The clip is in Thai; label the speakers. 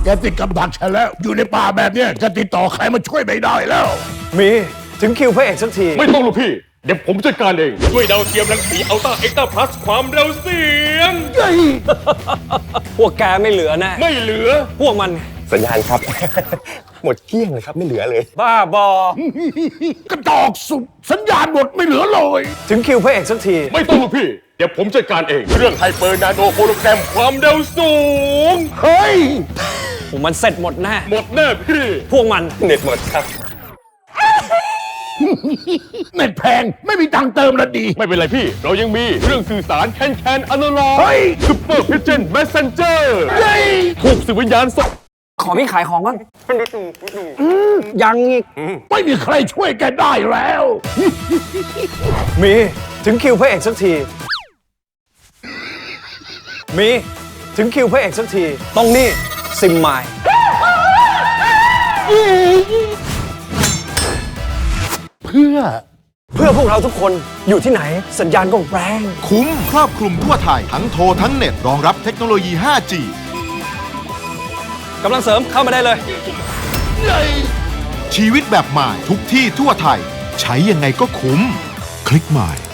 Speaker 1: แกติดกับดักฉันแล้ว อยู่ในป่าแบบเนี้ยจะติดต่อใครมาช่วยไม่ได้แล้ว
Speaker 2: มีถึงคิวพระเอกสักที
Speaker 3: ไม่ต้องลูกพี่ เดี๋ยวผมจัดการเองด้วยดาวเทียมรังสีอัลต้าเอ็กซ์ตร้าพลัสความเร็วเสียง
Speaker 2: พวกแกไม่เหลือแน่
Speaker 3: ไม่เหลือ
Speaker 2: พวกมัน
Speaker 4: สัญญาณครับ หมดเกลี้ยงเลยครับไม่เหลือเลย
Speaker 2: บ้าบอ
Speaker 1: กระจอกสุดสัญญาณหมดไม่เหลือเลย
Speaker 2: ถึงคิวพระเอกสักที
Speaker 3: ไม่ต้องลูกพี่ เดี๋ยวผมจัดการเองเรื่องไฮเปอร์นาโนโฮโลแกรมความเร็วสูง
Speaker 1: เฮ้ย
Speaker 2: พวกมันเสร็จหมดแน่
Speaker 3: หมดแน่พี่
Speaker 2: พวกมัน
Speaker 4: เน็ตหมดครับ
Speaker 1: เน็ตแพงไม่มีตังค์เติมละดี
Speaker 3: ไม่เป็นไรพี่ เรายังมีเรื่องสื่อสารแคนอนาล็อก
Speaker 1: เฮ้ย
Speaker 3: ซุปเปอร์พิเจนแมสเซนเจอร์
Speaker 1: เฮ้ย
Speaker 3: ถูกสื่อวิญญาณส่ง
Speaker 2: ขอพี่ขายของบ้างยังอีก
Speaker 1: ไม่มีใครช่วยแกได้แล้ว
Speaker 2: มีถึงคิวพระเอกสักที มีถึงคิวพระเอกสักที ต้องนี่ซิมไมล์
Speaker 1: เพื่อ
Speaker 2: เพื่อพวกเราทุกคนอยู่ที่ไหนสัญญาณก็แรง
Speaker 5: คุ้มครอบคลุมทั่วไทย ทั้งโทรทั้งเน็ตรองรับเทคโนโลยี 5G
Speaker 2: กำลังเสริมเข้ามาได้เลย
Speaker 5: ชีวิตแบบใหม่ทุกที่ทั่วไทย ใช้ยังไงก็คุ้ม คลิกใหม่